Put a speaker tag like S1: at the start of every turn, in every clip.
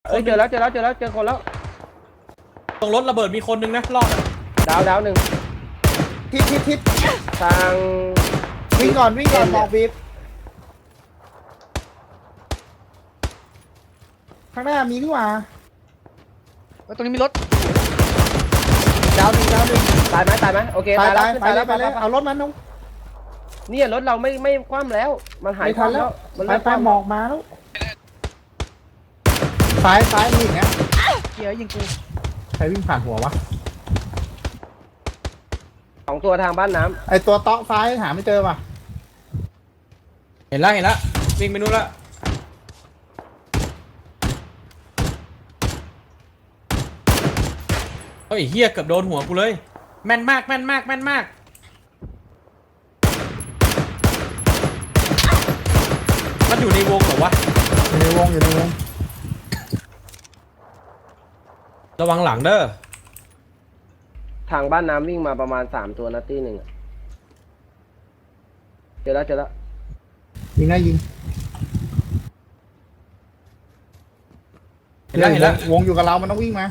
S1: เจอแล้วเจอคนแล้ว
S2: ตรงรถระเบิดมีคนนึงนะรอด
S1: ดาวหนึ่ง
S3: ทิศ
S1: ทาง
S3: วิ่งก่อนบอกบีบข้างหน้ามีนี่หว่า
S4: ตรงนี้มีรถ
S3: ดาวหนึ่ง
S1: ตายไหมโอเค
S3: ไป
S1: ตายแล้ว
S3: ไปเลยเอารถมันน้อง
S1: เนี่ยรถเราไม่คว่ำแล้วมันหายคว่ำแล้วมัน
S3: ไปหมอกมาแล้วซ้ายมีอย่างเงี้ย
S4: เกียร์ยิงกู
S3: ใครวิ่งผ่านหัววะ
S1: 2 ตัวทางบ้านน้ำ
S3: ไอตัวเตาะซ้ายหาไม่เจอว่ะ
S2: เห็นแล้ววิ่งไปนู่นละเฮ้ยเฮียเกือบโดนหัวกูเลยแม่นมากมันอยู่ในวงเหรอวะ
S3: อยู่ในวง
S2: ระวังหลังเด้อ
S1: ทางบ้านน้ำวิ่งมาประมาณ3 ตัวนะตีหนึ่งเจอแล้ว
S3: ยิง
S2: เห็นแล้ว
S3: วงอยู่กับเรามันต้องวิ่งมา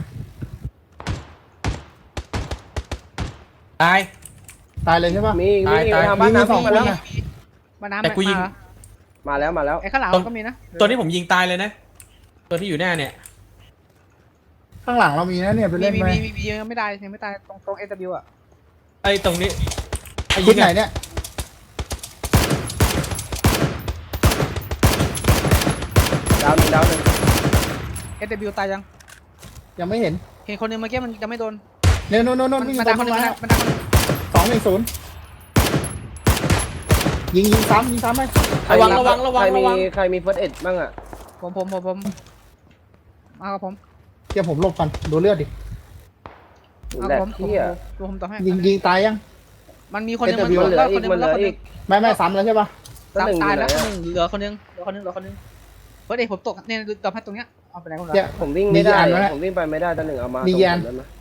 S2: ตาย
S3: เลยใช่ป่ะ
S1: มีทางบ้านน้ำวิ่งมาแล้ว
S2: แต่กูยิง
S1: มาแล้ว
S4: ไอ้ข้างหลังก็มีนะ
S2: ตัวนี้ผมยิงตายเลยนะตัวที่อยู่หน้าเนี่ย
S3: ข้างหลังเรามีนะเนี่ยไปเล่นไหม
S4: มียังไม่ตายตรง SW อ่ะ
S2: ไอ้ตรงนี้
S3: ชุดไหนเนี่ย
S1: ดาวหนึ่ง
S4: SW ตาย
S3: ยังไม่เห็น
S4: คนนึงเมื่อกี้มันยังไม่โดน
S3: โน่นวิ่งตรงมา210ยิงซ้ำไหม
S2: ระวัง
S1: ใครมีเฟิร์สเอ็ดบ้างอ่ะ
S4: ผมมากับผม
S3: เดี๋ยวผมหลบก่อนดูเลือดดิ
S4: ผมต่อให้
S3: ยิงตายยัง
S4: มันมีคนนึงมัน
S1: เหลืออีก
S3: ไม่ซ้ำแล้วใช่ป่ะ
S4: ตายแล้วเหลือคนนึงเฮ้ยผมตกเนี่ยต่อให้ตรงเนี้ยเอาไปไหนคนละ
S1: ผมวิ่งไม่ได้ผมวิ่งไปไม่ได้ตัวหนึ่งเอามา
S3: มียัน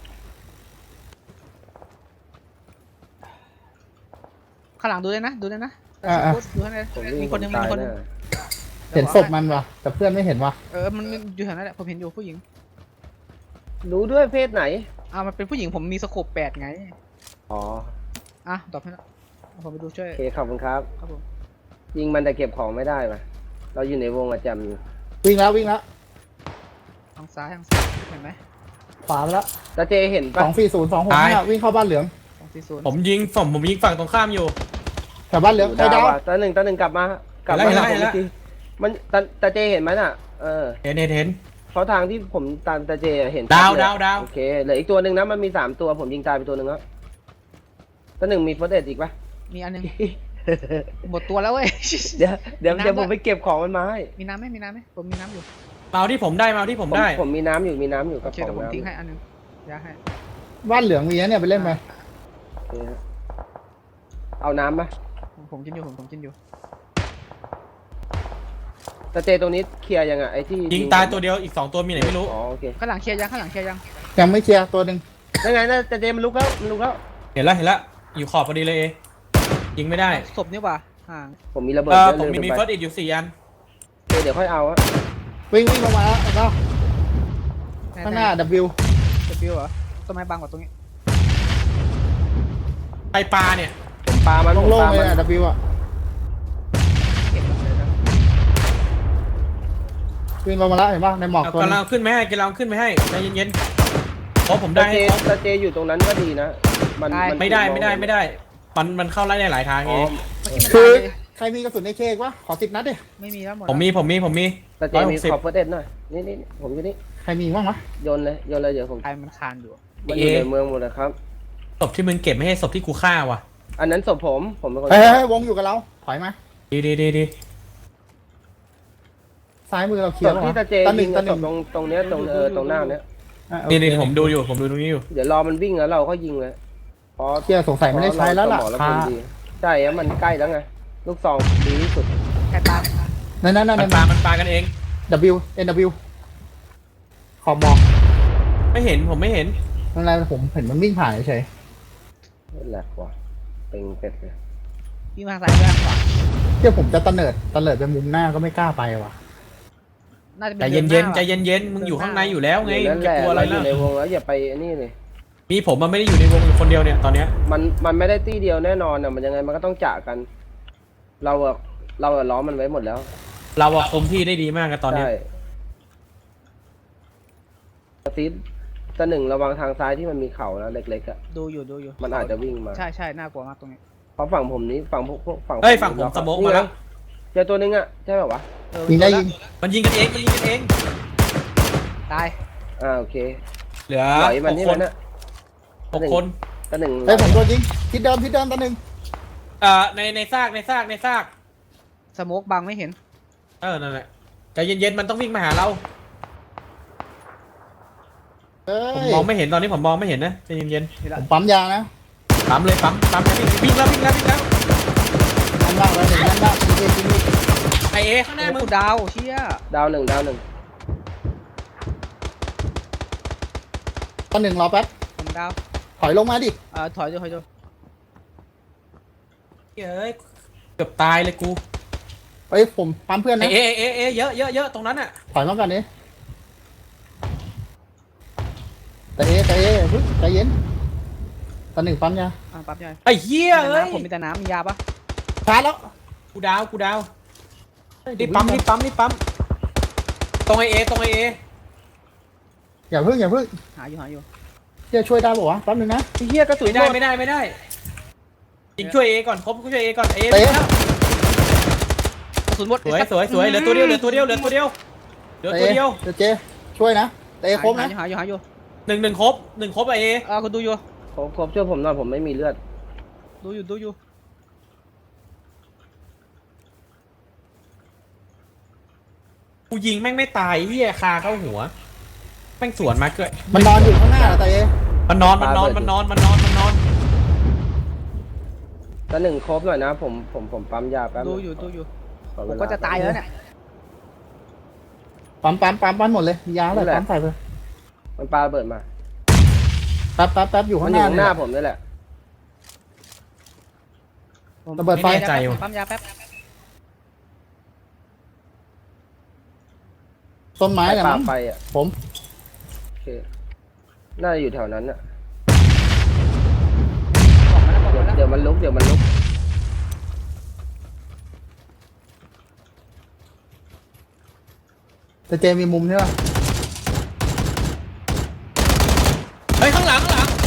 S4: ข้างหลังดูเลยนะดูให้มีคนนึง
S3: เห็นศพมันวะแต่เพื่อนไม่เห็นวะ
S4: มันอยู่แถวนั้นแหละผมเห็นอยู่ผู้หญิง
S1: รู้ด้วยเพศไหน
S4: มันเป็นผู้หญิงผมมีสโคป8ไง
S1: อ๋อ
S4: ตอบให้แล้วผมไปดูช่วย
S1: โอเคขอบคุณครับ
S4: ครับผม
S1: ยิงมันแต่เก็บของไม่ได้ป่ะเราอยู่ในวงอะจำอยู่
S3: วิ่งแล้ว
S4: ทางซ้ายเห็นไหม
S3: ขวาแล้ว
S1: ตาเจเห็นป่ะ
S3: 240 วิ่งเข้าบ้านเหลือง
S2: ผมยิงฝั่งตรงข้ามอยู่
S3: แถวบ้านเหลืองใครดาว
S1: ตาหนึ่งกลับมามันตาเจเห็นไหมน่ะ
S2: เห็น
S1: เพราะทางที่ผมตามตาเจเห็น
S2: ดาว
S1: โอเคเหลืออีกตัวหนึ่งนะมันมี3 ตัวผมยิงตายไปตัวหนึ่งแล้วตาหนึ่งมีเฟิร์สเอ็ดอีกป่ะ
S4: มีอันนึงหมดตัวแล้วเว้ย
S1: เดี๋ยวผมไปเก็บของมันมาให้
S4: มีน้ำไหมผมมีน้ำอยู่
S2: มาที่ผมได้
S1: ผมมีน้ำอยู่
S4: กับของผมทิ้งให้อันนึงยาให้
S3: บ้านเหลืองมีเนี่ยไปเล่นไหม
S1: เอาน้ำไหม
S4: ผมกินอยู่
S1: ตาเจตรงนี้เคลียร์ยังไงไอ้ที่
S2: ยิงตายตัวเดียวอีก2 ตัวมีไหนไม่รู้
S1: อ๋อโอเค
S4: ข้างหลังเคลียร์ยัง
S3: ยังไม่เคลียร์ตัวหนึ่ง
S1: ยังไงนะตาเจมันลุกแล้ว
S2: เห็นแล้วอยู่ขอบพอดีเลยยิงไม่ได้
S4: ศพนี่ว่ะห่าง
S1: ผมมีระเบิด
S2: ผมมีเฟิร์สอีกอยู่4 อัน
S1: เดี๋ยวค่อยเอาอะ
S3: วิ่งลงมาแล้วก็ข้างหน้า W
S4: เหรอต้นไม้บังกว่าตรงนี้
S2: ไปปลาเนี่ย
S1: ปลามัน
S3: โล่งเลยอะ W อ่ะวิ่งลงมาแล้วเห็นป่ะในหมอก
S2: กำลังขึ้นไม่ให้ใจเย็นเพราะผมได้
S1: ตาเจอยู่ตรงนั้นก็ดีนะ
S2: มันไม่ได้มันเข้าไล่ได้หลายทางเอง
S3: คือใครมีกระสุนในเค้กวะขอ10 นัดดิ
S4: ไม่มีแล้วหมด
S2: ผมมี
S1: ตาเจมีขอบเฟิร์สเอ็ดหน่อยนี่ผมอยู่นี่
S3: ใครมีบ้างวะ
S1: โยนเลยเดี๋ยวผม
S4: ใครมันคานอยู่
S1: มันอยู่ในเมืองหมดเลยครับ
S2: ศพที่มึงเก็บไม่ให้ศพที่กูฆ่าว่ะ
S1: อันนั้นศพผมเป็นคน
S3: วงอยู่กับเราถอยมา
S2: ดี
S3: ซ้ายมือเราเคลียร์
S1: ที่ตาเจยิงตรงเนี้ยตรงหน้าเนี้ย
S2: นี่ผมดูตรงนี้อยู่
S1: เดี๋ยวรอมันวิ่งแล้วเราก็ยิงเลย
S3: พอเคลียร์สงสัยไม่ได้ใช้แล้วล่ะ
S1: ใช่อะมันใกล้แล้วไงลูกซองดีที่สุด
S4: แค่ตาม
S3: นั่น
S2: มันปากันเอง
S3: NW ขอบหมอก
S2: ผมไม่เห็น
S3: อะไรผมเห็นมันวิ่งผ่านเฉย
S1: แหลกว่ะเป็นเป็ดเลย
S4: วิ่งมาซ้ายขวา
S3: เดี๋ยวผมจะตะเนิดไปมุมหน้าก็ไม่กล้าไปว่ะ
S4: น่าจะเป็
S2: ใจ
S4: น
S2: เย็น
S4: ดือ
S2: ๆ
S4: หา
S2: ใจเย็นๆมึงอยู่ข้างในอยู่แล้วไง
S1: อยู่นั่น
S2: จะ
S1: แหละ
S2: กลัวอะไร
S1: เราอ
S2: ล่ะ
S1: ยู่ในวงแล้วอย่าไปไอ้นี่เลย
S2: มีผมมันไม่ได้อยู่ในวงอยู่คนเดียวเนี่ยตอนเนี้ย
S1: มันไม่ได้ตีเดียวแน่นอนอ่ะมันยังไงมันก็ต้องจากกัน เราอะล้อมมันไว้หมดแล้ว
S2: เราอะคุมที่ได้ดีมากกันตอนเนี้ย
S1: ใช่กระซิบแต่หนึ่งระวังทางซ้ายที่มันมีเขานะเล็กๆอ่ะ
S4: ดูอยู่
S1: มันอาจจะวิ่งมา
S4: ใช่น่ากลัวมากตรงนี้
S1: เพราะฝั่งผมนี้ฝั่งพวกฝั่ง
S2: เฮ้ยฝั่งผมสโมกมาแล้ว
S1: เจอตัวนึงอ่ะใช่ไหมวะ
S3: ยิงได้ยิง
S2: มันยิงกันเองมันยิงกันเอง
S4: ตาย
S1: โอเค
S2: เหลือ
S1: ไหลมัน
S2: 6
S1: นี่
S2: ค
S1: มัน นอ่ะ
S2: 6 คน
S1: ตัวหนึ่ง
S3: เฮ้ยผมโดนยิงทิศเดิมตัวหนึ่ง
S2: ในซาก
S4: สโมกบังไม่เห็น
S2: นั่นแหละใจเย็นๆมันต้องวิ่งมาหาเรา
S3: เฮ้
S2: ผม
S3: ย
S2: มองไม่เห็นตอนนี้ผมมองไม่เห็นนะใจเย็น
S4: เห็น
S3: ผ
S4: ละ
S3: มปั๊มยานะ
S2: ๆปั๊มเลยปั๊มวิ่งแล้ว
S3: นั่นบ้างแล้วหนึ่งนั่นบ้างยิงยิง
S2: ไอเอข้างหน้ามึง
S4: กูดาวเชี่ย
S1: ดาวหนึ่ง
S3: ตัวหนึ่งรอแป๊บ
S4: ผมดาว
S3: ถอยลงมาดิ
S4: ถอยดู
S2: เอ้ยเกือบตายเลยกู
S3: เฮ้ยผมปั๊มเพื่อน
S2: ไอ
S3: นะ
S2: เอเยอะตรงนั้นอ่ะ
S3: ถอยมาก่อนดิแต่เฮ้ยใจเย็นตัวหนึ่งปั๊มยา
S4: ปั๊บใหญ่
S2: ไอ้เหี้ยเอ้ย
S4: ผมมีแต่น้ำมียาปะ
S3: ชาร์จแล้ว
S2: กูดาวรีบปั๊มตรงไอเอ
S3: อย่าเพิ่ง
S4: หาอยู่
S3: จะช่วยได้ป่าวะแป๊บนึงนะ
S1: เฮียกระสุน
S2: ไม่ได้ยิงช่วยเอก่อนครบช่วยเอก่อนเอ
S3: เตะ
S2: แล้ว
S4: กระสุนหมด
S2: สวยเหลือตัวเดียว
S3: เตะเจช่วยนะเตะครบนะ
S4: หาอยู่
S2: หนึ่งครบไอเอ
S4: คุณดูอยู่
S1: ครบช่วยผมหน่อยผมไม่มีเลือด
S4: ดูอยู่
S2: กูยิงแม่งไม่ตายเหี้ยคาเข้าหัวแม่งสวนมาเกิด
S3: มันนอนอยู่ข้างหน้าเตะ
S2: มันนอน
S1: ตัวหนึ่งครบหน่อยนะผมปั๊มยาแป๊บ
S4: ดูอยู่
S1: ขอ
S4: ผ
S1: เว
S4: ม
S1: ลา
S4: ก็จะตายแล้วเนี่ย
S3: ปั๊มหมดเลยมียาอะไรปั๊มใส่ไป
S1: มันปาระเบิดมา
S3: แป๊บอยู่
S1: มั
S3: ข้าน ง
S1: อ
S3: หน้า
S1: ยู่ข้างหน้าผมนี่แหละ
S3: ระเบิดไฟ
S4: ปั๊มยาแป๊บ
S3: ต้นไม้เนี่ย
S1: ปา
S3: มั้ง
S1: ไฟอ่ะ
S3: ผม
S1: โอเคน่าจะอยู่แถวนั้นอ่ะ
S4: บอกมาแล้ว
S1: เดี๋ยวมันลุก
S3: แต่เจมีมุมใช่ป่ะ
S2: เฮ้ยข้างหลัง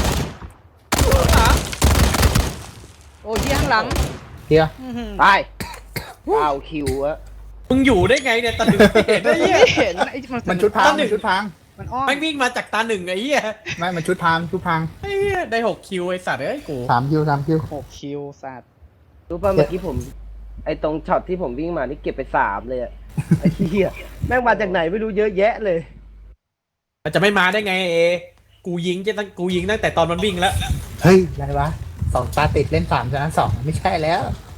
S4: โอ้ยข้างหลัง
S3: เฮีย
S1: ตายเอาคิวอะ
S2: มึงอยู่ได้ไงเนี่ยตาหนึ่งเห็นได้เหี้ย
S4: ไม่เห็นไอ้
S3: มันชุดพัง
S4: มันอ้อม
S2: แม่งวิ่งมาจากตาหนึ่งไอ้เหี้ย
S3: ไม่มันชุดพัง
S2: ไอ้เหี้ยได้6 คิวไอ้สัตว์เอ้ยกู
S3: 3 คิว
S4: 6 คิวสัตว์
S1: รู้ป่ะเมื่อกี้ผม ไอ้ตรงช็อตที่ผมวิ่งมานี่เก็บไป3เลยอะไอ้เหี้ยแม่งมาจากไหนไม่รู้เยอะแยะเลย
S2: มันจะไม่มาได้ไงเอกูยิงตั้งแต่ตอนมันวิ่งแล้ว
S3: เฮ้ยอะไรวะ2 ตาติดเล่น3ชนะ2ไม่ใช่แล้ว